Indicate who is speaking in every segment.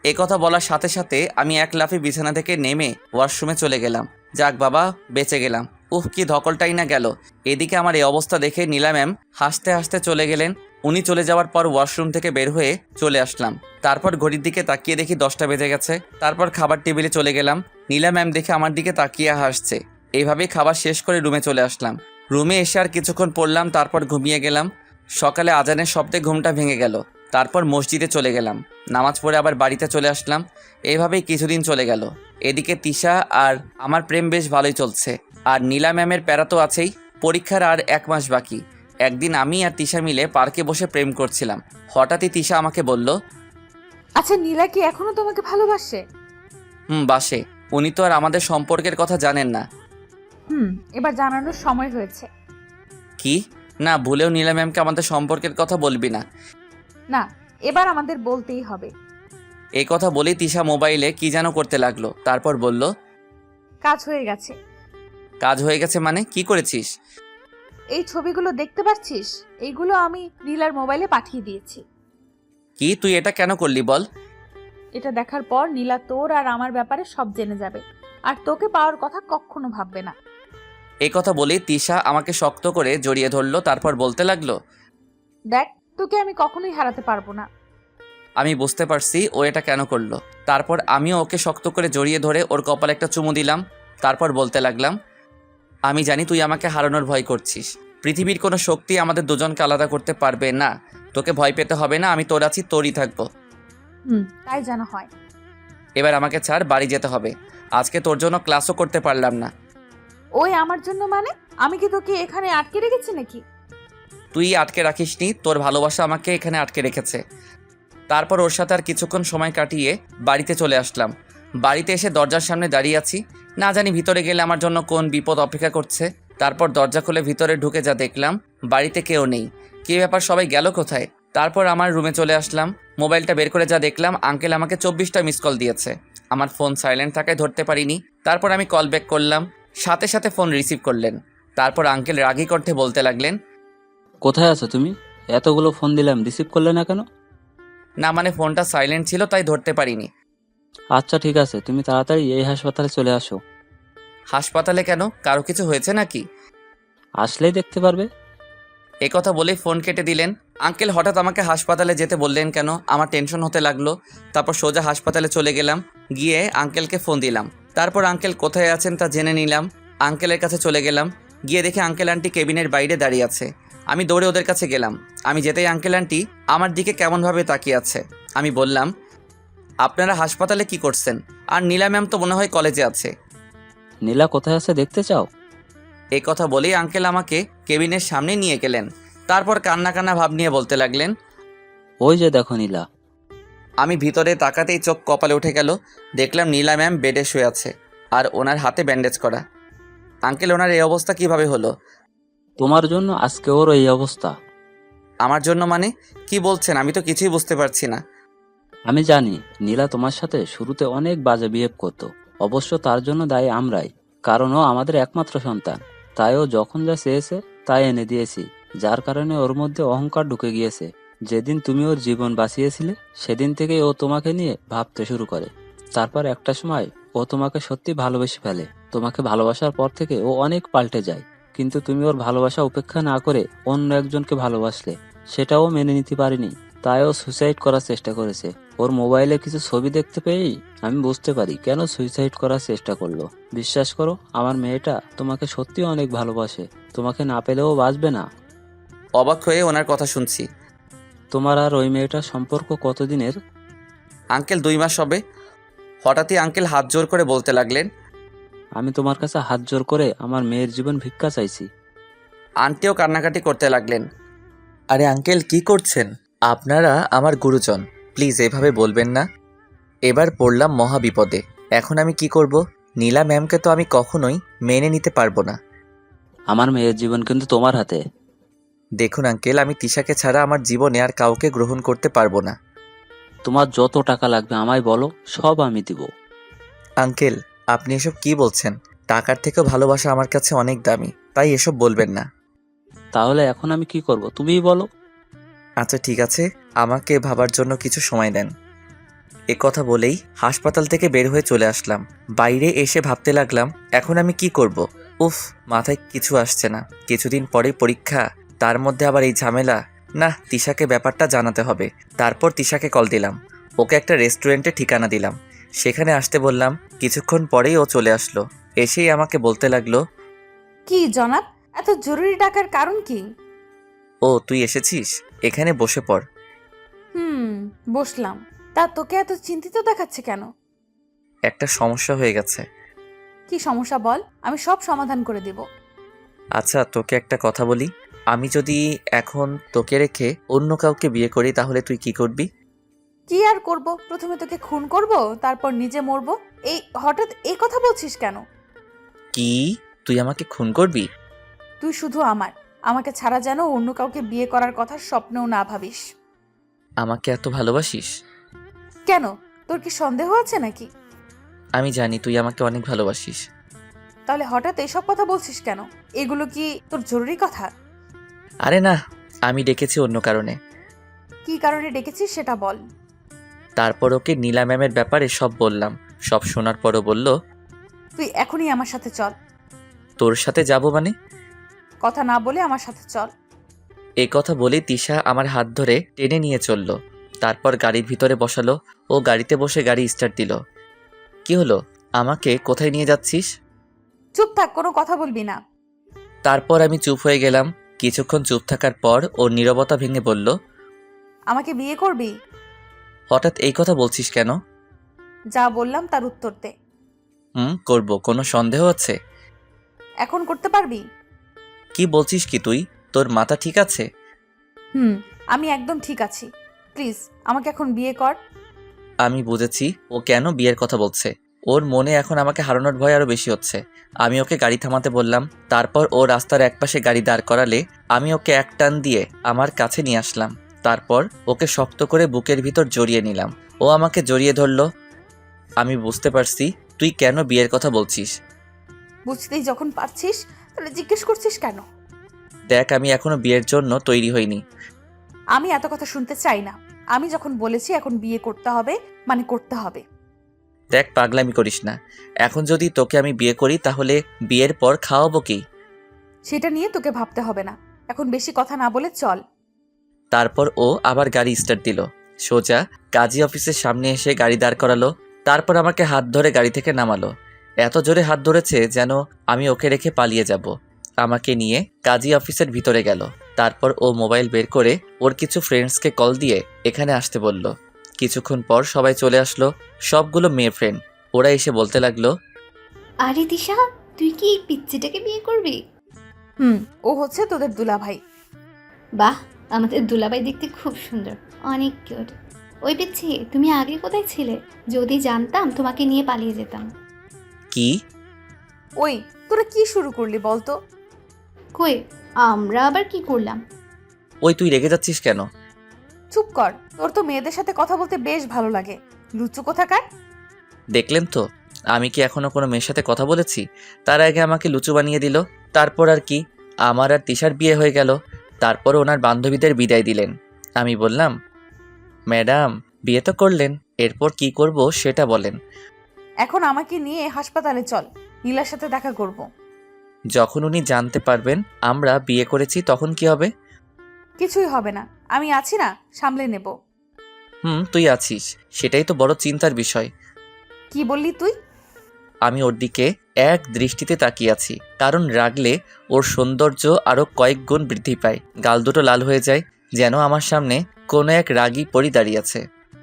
Speaker 1: এ কথা বলার সাথে সাথে আমি এক লাফে বিছানা থেকে নেমে ওয়াশরুমে চলে গেলাম। যাক বাবা, বেঁচে গেলাম। উফ, কি ধকলটাই না গেল। এদিকে আমার এই অবস্থা দেখে নীলা ম্যাম হাসতে হাসতে চলে গেলেন। উনি চলে যাওয়ার পর ওয়াশরুম থেকে বের হয়ে চলে আসলাম। তারপর ঘড়ির দিকে তাকিয়ে দেখি 10টা বেজে গেছে। তারপর খাবার টেবিলে চলে গেলাম। নীলা ম্যাম দেখে আমার দিকে তাকিয়ে হাসছে। এইভাবেই খাবার শেষ করে রুমে চলে আসলাম। রুমে এসে আর কিছুক্ষণ পড়লাম, তারপর ঘুমিয়ে গেলাম। সকালে আজানের শব্দে ঘুমটা ভেঙে গেল। তারপর মসজিদে চলে গেলাম, নামাজ পড়ে আবার বাড়িতে চলে আসলাম। এইভাবেই কিছুদিন চলে গেল। এদিকে তিশা আর আমার প্রেম বেশ ভালোই চলছে। আর নীলা ম্যামের প্যারা তো আছেই। পরীক্ষার আর 1 মাস বাকি। একদিন আমি আর তিশা মিলে পার্কে বসে প্রেম করছিলাম। হঠাৎই তিশা আমাকে বলল,
Speaker 2: আচ্ছা, নীলা কি এখনো তোমাকে ভালোবাসে?
Speaker 1: বাসে। উনি তো আর আমাদের সম্পর্কের কথা জানেন না।
Speaker 2: এবার জানানোর সময় হয়েছে।
Speaker 1: কি? না, ভুলেও নীলা ম্যামকে আমাদের সম্পর্কের কথা বলবি না।
Speaker 2: না, এবার আমাদের বলতেই হবে।
Speaker 1: এই কথা বলেই তিশা মোবাইলে কি যেন করতে লাগলো। তারপর বলল,
Speaker 2: কাজ হয়ে গেছে।
Speaker 1: কাজ হয়ে গেছে মানে? কি করেছিস?
Speaker 2: এই ছবিগুলো দেখতে পাচ্ছিস? এইগুলো আমি নীলার মোবাইলে পাঠিয়ে দিয়েছি।
Speaker 1: কি? তুই এটা কেন করলি বল?
Speaker 2: এটা দেখার পর নীলা তোর আর আমার ব্যাপারে সব জেনে যাবে, আর তোকে পাওয়ার কথা কখনো ভাববে না।
Speaker 1: এই কথা বলেই তিশা আমাকে শক্ত করে জড়িয়ে ধরলো। তারপর বলতে লাগলো,
Speaker 2: দেখ, তোকে আমি কখনোই হারাতে পারবো না।
Speaker 1: আমি বুঝতে পারছি ও এটা কেন করলো। তারপর আমিও ওকে শক্ত করে জড়িয়ে ধরে ওর কপালে একটা চুমু দিলাম। তারপর বলতে লাগলাম, আমি জানি তুই আমাকে হারানোর ভয় করছিস। পৃথিবীর কোনো শক্তি আমাদের দুজনকে আলাদা করতে পারবে না। তোকে ভয় পেতে হবে না, আমি তোর আছি, তোরই থাকবো।
Speaker 2: তাই যেন হয়।
Speaker 1: এবার আমাকে ছাড়, বাড়ি যেতে হবে। আজকে তোর জন্য ক্লাসও করতে পারলাম না।
Speaker 2: ওই আমার জন্য মানে? আমি কি তোকে এখানে আটকে রেখেছি নাকি?
Speaker 1: তুই আটকে রাখিসনি, তোর ভালোবাসা আমাকে এখানে আটকে রেখেছে। তারপর ওর সাথে আর কিছুক্ষণ সময় কাটিয়ে বাড়িতে চলে আসলাম। বাড়িতে এসে দরজার সামনে দাঁড়িয়ে আছি। না জানি ভিতরে গেলে আমার জন্য কোন বিপদ অপেক্ষা করছে। তারপর দরজা খুলে ভিতরে ঢুকে যা দেখলাম, বাড়িতে কেউ নেই। কী ব্যাপার, সবাই গেল কোথায়? তারপর আমার রুমে চলে আসলাম। মোবাইলটা বের করে যা দেখলাম, আঙ্কেল আমাকে 24টা মিস কল দিয়েছে। আমার ফোন সাইলেন্ট থাকায় ধরতে পারিনি। তারপর আমি কল ব্যাক করলাম, সাথে সাথে ফোন রিসিভ করলেন। তারপর আঙ্কেল রাগী কণ্ঠে বলতে লাগলেন,
Speaker 3: কোথায় আছো তুমি? এতগুলো ফোন দিলাম, রিসিভ করলে না কেন?
Speaker 1: না মানে ফোনটা সাইলেন্ট ছিল, তাই ধরতে পারিনি।
Speaker 3: আচ্ছা ঠিক আছে, তুমি তাড়াতাড়ি এই হাসপাতালে চলে আসো।
Speaker 1: হাসপাতালে কেন? কারো কিছু হয়েছে নাকি?
Speaker 3: আসলেই দেখতে পারবে।
Speaker 1: এই কথা বলেই ফোন কেটে দিলেন। আঙ্কেল হঠাৎ আমাকে হাসপাতালে যেতে বললেন কেন? আমার টেনশন হতে লাগলো। তারপর সোজা হাসপাতালে চলে গেলাম। গিয়ে আঙ্কেলকে ফোন দিলাম। তারপর আঙ্কেল কোথায় আছেন তা জেনে নিলাম। আঙ্কেলের কাছে চলে গেলাম। গিয়ে দেখি আঙ্কেল আন্টি কেবিনের বাইরে দাঁড়িয়ে আছে। আমি দৌড়ে ওদের কাছে গেলাম। আমি যেতেই আঙ্কেল আন্টি আমার দিকে কেমনভাবে তাকিয়ে আছে। আমি বললাম, আপনারা হাসপাতালে কি করছেন? আর নীলা ম্যাম তো মনে হয় কলেজে আছে।
Speaker 3: নীলা কোথায় আছে দেখতে চাও?
Speaker 1: এই কথা বলেই আঙ্কেল আমাকে কেবিনের সামনে নিয়ে গেলেন। তারপর কান্না কান্না ভাব নিয়ে বলতে লাগলেন,
Speaker 3: ওই যে দেখো নীলা।
Speaker 1: আমি ভিতরে তাকাতেই চোখ কপালে উঠে গেল। দেখলাম নীলা ম্যাম বেডে শুয়ে আছে, আর ওনার হাতে ব্যান্ডেজ করা। আঙ্কেল, ওনার এই অবস্থা কিভাবে হলো?
Speaker 3: তোমার জন্য আজকে ওর এই অবস্থা।
Speaker 1: আমার জন্য মানে? কি বলছেন? আমি তো কিছুই বুঝতে পারছি না।
Speaker 3: আমি জানি নীলা তোমার সাথে শুরুতে অনেক বাজে বিহেভ করতো। অবশ্য তার জন্য দায়ী আমরাই, কারণ ও আমাদের একমাত্র সন্তান। তাই ও যখন যা চেয়েছে তাই এনে দিয়েছি, যার কারণে ওর মধ্যে অহংকার ঢুকে গিয়েছে। যেদিন তুমি ওর জীবন বাঁচিয়েছিলে সেদিন থেকেই ও তোমাকে নিয়ে ভাবতে শুরু করে। তারপর একটা সময় ও তোমাকে সত্যি ভালোবেসে ফেলে। তোমাকে ভালোবাসার পর থেকে ও অনেক পাল্টে যায়। কিন্তু তুমি ওর ভালোবাসা উপেক্ষা না করে অন্য একজনকে ভালোবাসলে, সেটাও মেনে নিতে পারিনি। তাই ও সুইসাইড করার চেষ্টা করেছে। ওর মোবাইলে কিছু ছবি দেখতে পেয়েই আমি বুঝতে পারি কেন সুইসাইড করার চেষ্টা করলো। বিশ্বাস করো, আমার মেয়েটা তোমাকে সত্যি অনেক ভালোবাসে। তোমাকে না পেলেও বাঁচবে না।
Speaker 1: অবাক হয়ে ওনার কথা শুনছি।
Speaker 3: তোমার আর ওই মেয়েটার সম্পর্ক কতদিনের?
Speaker 1: আঙ্কেল 2 মাস হবে। হঠাৎই আঙ্কেল হাত জোর করে বলতে লাগলেন,
Speaker 3: আমি তোমার কাছে হাত জোর করে আমার মেয়ের জীবন ভিক্ষা চাইছি।
Speaker 1: আন্টিও কান্নাকাটি করতে লাগলেন। আরে আঙ্কেল, কি করছেন? আপনারা আমার গুরুজন, প্লিজ এভাবে বলবেন না। এবার পড়লাম মহা বিপদে। এখন আমি কি করব? নীলা ম্যামকে তো আমি কখনোই মেনে নিতে পারবো না।
Speaker 3: আমার মেয়ের জীবন কিন্তু তোমার হাতে।
Speaker 1: দেখুন আঙ্কেল, আমি তিশাকে ছাড়া আমার জীবনে আর কাউকে গ্রহণ করতে পারবো না।
Speaker 3: তোমার যত টাকা লাগবে আমায় বলো, সব আমি দিব।
Speaker 1: আঙ্কেল, আপনি এসব কি বলছেন? টাকার থেকেও ভালোবাসা আমার কাছে অনেক দামি, তাই এসব বলবেন না।
Speaker 3: তাহলে এখন আমি কি করব তুমিই বলো।
Speaker 1: আচ্ছা ঠিক আছে, আমাকে ভাবার জন্য কিছু সময় দেন। এ কথা বলেই হাসপাতাল থেকে বের হয়ে চলে আসলাম। বাইরে এসে ভাবতে লাগলাম এখন আমি কি করব। উফ, মাথায় কিছু আসছে না। কিছুদিন পরেই পরীক্ষা, তার মধ্যে আবার এই ঝামেলা। না, তিশাকে ব্যাপারটা জানাতে হবে। তারপর তিশাকে কল দিলাম, ওকে একটা রেস্টুরেন্টে ঠিকানা দিলাম, সেখানে আসতে বললাম। কিছুক্ষণ পরেই ও চলে আসলো। এসেই আমাকে বলতে লাগলো,
Speaker 2: কি জনাব, এত জরুরি ডাকার কারণ কি?
Speaker 1: ও তুই এসেছিস, এখানে বসে পড়।
Speaker 2: বসলাম। তা তোকে এত চিন্তিত দেখাচ্ছে কেন?
Speaker 1: একটা সমস্যা হয়ে গেছে।
Speaker 2: কি সমস্যা বল, আমি সব সমাধান করে দেব।
Speaker 1: আচ্ছা, তোকে একটা কথা বলি। আমি যদি এখন তোকে রেখে অন্য কাউকে বিয়ে করি তাহলে তুই কি করবি?
Speaker 2: কি আর করব, প্রথমে তোকে খুন করব, তারপর নিজে মরবো। এই হঠাৎ এই কথা বলছিস কেন?
Speaker 1: কি, তুই আমাকে খুন করবি?
Speaker 2: তুই শুধু আমাকে ছাড়া যেন অন্য কাউকে বিয়ে করার কথা স্বপ্নেও না ভাবিস।
Speaker 1: আমাকে এত ভালোবাসিস?
Speaker 2: কেন, তোর কি সন্দেহ আছে নাকি?
Speaker 1: আমি জানি তুই আমাকে অনেক ভালোবাসিস।
Speaker 2: তাহলে হঠাৎ এইসব কথা বলছিস কেন? এগুলো কি তোর জরুরি কথা?
Speaker 1: আরে না, আমি ডেকেছি অন্য কারণে।
Speaker 2: কি কারণে ডেকেছিস সেটা বল।
Speaker 1: তারপর ওকে নীলা ম্যামের ব্যাপারে সব বললাম। সব শোনার পরও বলল,
Speaker 2: তুই এখনই আমার সাথে চল।
Speaker 1: তোর সাথে যাব মানে?
Speaker 2: কথা না বলে আমার সাথে চল।
Speaker 1: এই কথা বলে তিশা আমার হাত ধরে টেনে নিয়ে চলল। তারপর গাড়ির ভিতরে বসালো। ও গাড়িতে বসে গাড়ি স্টার্ট দিল। কি হলো, আমাকে কোথায় নিয়ে যাচ্ছিস?
Speaker 2: চুপ থাক, কোনো কথা বলবি না।
Speaker 1: তারপর আমি চুপ হয়ে গেলাম। কিছুক্ষণ চুপ থাকার পর ও নীরবতা ভেঙে বলল,
Speaker 2: আমাকে বিয়ে করবি?
Speaker 1: হঠাৎ এই কথা বলছিস কেন?
Speaker 2: যা বললাম তার উত্তর দে।
Speaker 1: করব, কোনো সন্দেহ আছে?
Speaker 2: এখন করতে পারবি?
Speaker 1: কি বলছিস কি তুই? তোর মাথা ঠিক আছে?
Speaker 2: আমি একদম ঠিক আছি। প্লিজ আমাকে এখন বিয়ে কর।
Speaker 1: আমি বুঝেছি ও কেন বিয়ের কথা বলছে। ওর মনে এখন আমাকে হারানোর ভয় আরো বেশি হচ্ছে। আমি ওকে গাড়ি থামাতে বললাম। তারপর ও রাস্তার একপাশে গাড়ি দাঁড় করালে আমি ওকে এক টান দিয়ে আমার কাছে নিয়ে আসলাম। তারপর ওকে শক্ত করে বুকের ভিতর জড়িয়ে নিলাম। ও আমাকে জড়িয়ে ধরলো। আমি বুঝতে পারছি তুই কেন বিয়ের কথা বলছিস।
Speaker 2: বুঝতেই যখন পারছিস তাহলে জিজ্ঞেস করছিস কেন?
Speaker 1: দেখ, আমি এখনো বিয়ের জন্য তৈরি হইনি।
Speaker 2: আমি এত কথা শুনতে চাই না। আমি যখন বলেছি এখন বিয়ে করতে হবে মানে করতে হবে।
Speaker 1: দেখ, পাগলামি করিস না। এখন যদি তোকে আমি বিয়ে করি তাহলে বিয়ের পর খাওয়াবো কি?
Speaker 2: সেটা নিয়ে তোকে ভাবতে হবে না। এখন বেশি কথা না বলে চল।
Speaker 1: তারপর ও আবার গাড়ি স্টার্ট দিল। সোজা কাজী অফিসের সামনে এসে গাড়ি দাঁড় করালো। তারপর আমাকে হাত ধরে গাড়ি থেকে নামালো। এত জোরে হাত ধরেছে যেন আমি ওকে রেখে পালিয়ে যাব। আমাকে নিয়ে কাজী অফিসের ভিতরে গেল। তারপর ও মোবাইল বের করে ওর কিছু ফ্রেন্ডসকে কল দিয়ে এখানে আসতে বলল। কিছুক্ষণ পর সবাই চলে আসলো। সবগুলো মেয়ে ফ্রেন্ড। ওরা এসে বলতে লাগলো,
Speaker 4: আরে দিশা, তুই কি এই পিচ্চিটাকে বিয়ে করবি?
Speaker 2: ও হচ্ছে তোদের দুলাভাই।
Speaker 4: বাহ, আমাদের দুলাভাই দেখতে খুব সুন্দর, অনেক কিউট। ওই পিচ্ছি, তুমি আগে কোথায় ছিলে? যদি জানতাম তোমাকে নিয়ে পালিয়ে যেতাম।
Speaker 1: কি?
Speaker 2: ওই, তোরা কি শুরু করলি বলতো?
Speaker 4: কই, আমরা আবার কি করলাম?
Speaker 1: ওই, তুই রেগে যাচ্ছিস কেন?
Speaker 2: চুপ কর, তোর তো মেয়েদের সাথে কথা বলতে বেশ ভালো লাগে। লুচু কোথাকার।
Speaker 1: দেখলেন তো, আমি কি এখনো কোনো মেয়ের সাথে কথা বলেছি? তার আগে আমাকে লুচু বানিয়ে দিল। তারপর আর কি, আমার আর তিশার বিয়ে হয়ে গেল। তারপর ওনার বান্ধবীদের বিদায় দিলেন। আমি বললাম, ম্যাডাম, বিয়ে তো করলেন, এরপর কি করব সেটা বলেন।
Speaker 2: এখন আমাকে নিয়ে হাসপাতালে চল, নীলার সাথে দেখা করব।
Speaker 1: যখন উনি জানতে পারবেন আমরা বিয়ে করেছি তখন কি হবে?
Speaker 2: কিছুই হবে না, আমি আছি না, সামলে নেব।
Speaker 1: তুই আছিস, সেটাই তো বড় চিন্তার বিষয়।
Speaker 2: কি বললি তুই?
Speaker 1: আমি ওর দিকে এক দৃষ্টিতে তাকিয়ে আছি, কারণ রাগলে ওর সৌন্দর্য আরো কয়েক গুণ বৃদ্ধি পায়। গাল দুটো লাল হয়ে যায়, যেন আমার সামনে কোনো এক রাগী পরী দাঁড়িয়ে আছে।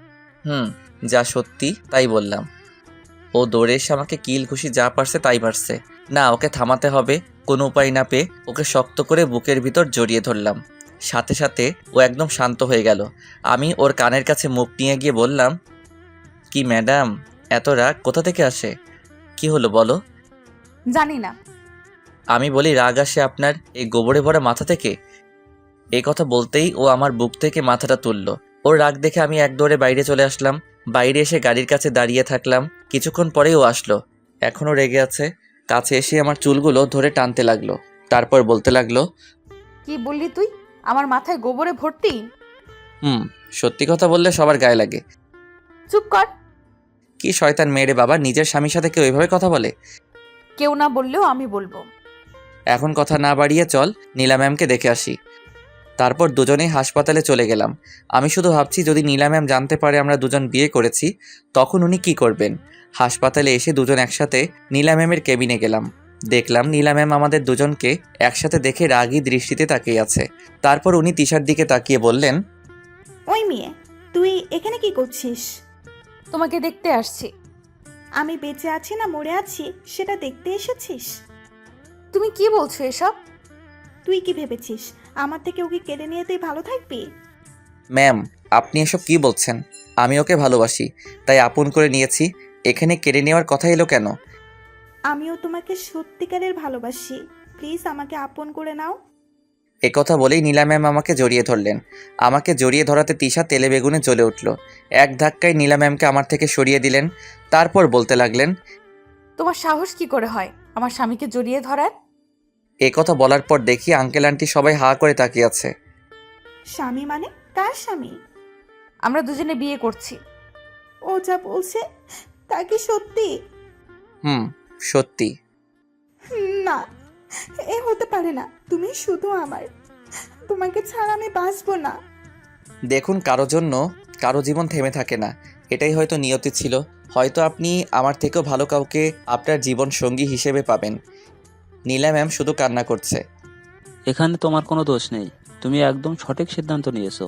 Speaker 1: যা সত্যি তাই বললাম। ও দৌড়ে এসে আমাকে কিল ঘুষি যা পারছে তাই মারছে। না, ওকে থামাতে হবে। কোনো উপায় না পেয়ে ওকে শক্ত করে বুকের ভিতর জড়িয়ে ধরলাম। সাথে সাথে ও একদম শান্ত হয়ে গেল। আমি ওর কানের কাছে মুখ নিয়ে গিয়ে বললাম, কি ম্যাডাম, এত রাগ কোথা থেকে আসে? কি হলো বলো?
Speaker 2: জানি না।
Speaker 1: আমি বলি, রাগ আসে আপনার এই গোবরে ভরা মাথা থেকে? এই কথা বলতেই ও আমার বুক থেকে মাথাটা তুলল। ওর রাগ দেখে আমি এক দৌড়ে বাইরে চলে আসলাম। বাইরে এসে গাড়ির কাছে দাঁড়িয়ে থাকলাম। কিছুক্ষণ পরেই ও আসলো। এখনও রেগে আছে। কাছে এসে আমার চুলগুলো ধরে টানতে লাগলো। তারপর বলতে লাগলো,
Speaker 2: কি বললি তুই? আমার মাথায় গোবরে ভর্তি?
Speaker 1: সত্যি কথা বললে সবার গায়ে লাগে।
Speaker 2: চুপ কর।
Speaker 1: কি শয়তান মেয়ে রে বাবা, নিজের স্বামীর সাথে কেউ এভাবে কথা বলে?
Speaker 2: কেউ না বললেও আমি বলবো।
Speaker 1: এখন কথা না বাড়িয়ে চল নীলা ম্যামকে দেখে আসি। তারপর দুজনেই হাসপাতালে চলে গেলাম। আমি শুধু ভাবছি যদি নীলা ম্যাম জানতে পারে আমরা দুজন বিয়ে করেছি তখন উনি কি করবেন। হাসপাতালে এসে দুজন একসাথে নীলা ম্যামের কেবিনে গেলাম। দেখলাম নীলা ম্যাম আমাদের দুজনকে একসাথে দেখে রাগী দৃষ্টিতে তাকিয়ে আছে। তারপর উনি তিশার দিকে তাকিয়ে বললেন,
Speaker 5: ওই মেয়ে, তুই এখানে কি করছিস?
Speaker 2: তোমাকে দেখতে আসছি।
Speaker 5: আমি বেঁচে আছি না মরে আছি সেটা দেখতে এসেছিস?
Speaker 2: তুমি কি বলছো এসব?
Speaker 5: তুই কি ভেবেছিস আমার থেকে ওকে কেড়ে নিয়ে তুই ভালো থাকবি?
Speaker 1: ম্যাম আপনি এসব কি বলছেন? আমি ওকে ভালোবাসি, তাই আপন করে নিয়েছি। এখানে কেড়ে নেওয়ার কথা এলো কেন?
Speaker 5: আমিও তোমাকে সত্যিকারের ভালোবাসি, প্লিজ আমাকে আপন করে নাও।
Speaker 1: একথা বলেই নীলা ম্যাম আমাকে জড়িয়ে ধরলেন। আমাকে জড়িয়ে ধরাতে তিশা তেলে বেগুনে জ্বলে উঠল। এক ধাক্কায় নীলা ম্যামকে আমার থেকে সরিয়ে দিলেন। তারপর বলতে লাগলেন,
Speaker 2: তোমার সাহস কি করে হয় আমার স্বামীকে জড়িয়ে ধরার?
Speaker 1: একথা বলার পর দেখি আঙ্কেল আন্টি সবাই হা করে তাকিয়ে আছে।
Speaker 5: স্বামী মানে কার স্বামী?
Speaker 2: আমরা দুজনে বিয়ে করছি।
Speaker 5: ও যা বলছে তা কি সত্যি?
Speaker 1: সত্যি।
Speaker 5: না, এ হতে পারে না। তুমি শুধু আমার, তোমাকে ছাড়া আমি বাঁচবো না।
Speaker 1: দেখুন কারো জন্য কারো জীবন থেমে থাকে না, এটাই হয়তো নিয়তি ছিল। হয়তো আপনি আমার থেকেও ভালো কাউকে আপনার জীবন সঙ্গী হিসেবে পাবেন। নীলা ম্যাম শুধু কান্না করছে।
Speaker 3: এখানে তোমার কোনো দোষ নেই, তুমি একদম সঠিক সিদ্ধান্ত নিয়েছো।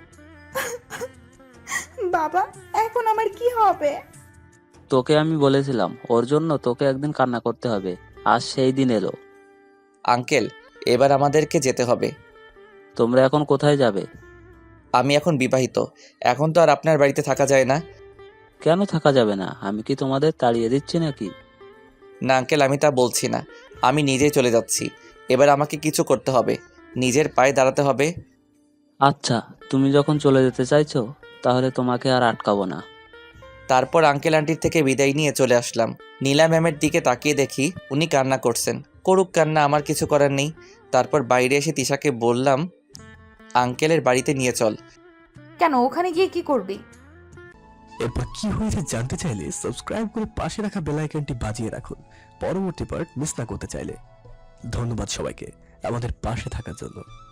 Speaker 5: বাবা, এখন আমার কি হবে?
Speaker 3: তোকে আমি বলেছিলাম ওর জন্য তোকে একদিন কান্না করতে হবে, আজ সেই দিন এলো।
Speaker 1: আঙ্কেল এবার আমাদেরকে যেতে হবে।
Speaker 3: তোমরা এখন কোথায় যাবে?
Speaker 1: আমি এখন বিবাহিত, এখন তো আর আপনার বাড়িতে থাকা যায় না।
Speaker 3: কেন থাকা যাবে না? আমি কি তোমাদের তাড়িয়ে দিচ্ছি নাকি?
Speaker 1: না আঙ্কেল, আমি তা বলছি না। আমি নিজেই চলে যাচ্ছি। এবার আমাকে কিছু করতে হবে, নিজের পায়ে দাঁড়াতে হবে।
Speaker 3: আচ্ছা, তুমি যখন চলে যেতে চাইছো তাহলে তোমাকে আর আটকাবো না।
Speaker 1: তারপর আঙ্কেল আন্টির থেকে বিদায় নিয়ে চলে আসলাম। নীলা ম্যামের দিকে তাকিয়ে দেখি উনি কান্না করছেন। করুক কান্না, আমার কিছু করার নেই। তারপর বাইরে এসে তিশাকে বললাম, আঙ্কেলের বাড়িতে নিয়ে চল।
Speaker 2: কেন, ওখানে গিয়ে কি করবি?
Speaker 6: এরপর কি হয়েছে জানতে চাইলে সাবস্ক্রাইব করে পাশে রাখা বেল আইকনটি বাজিয়ে রাখুন পরবর্তী পার্ট মিস না করতে চাইলে। ধন্যবাদ সবাইকে আমাদের পাশে থাকার জন্য।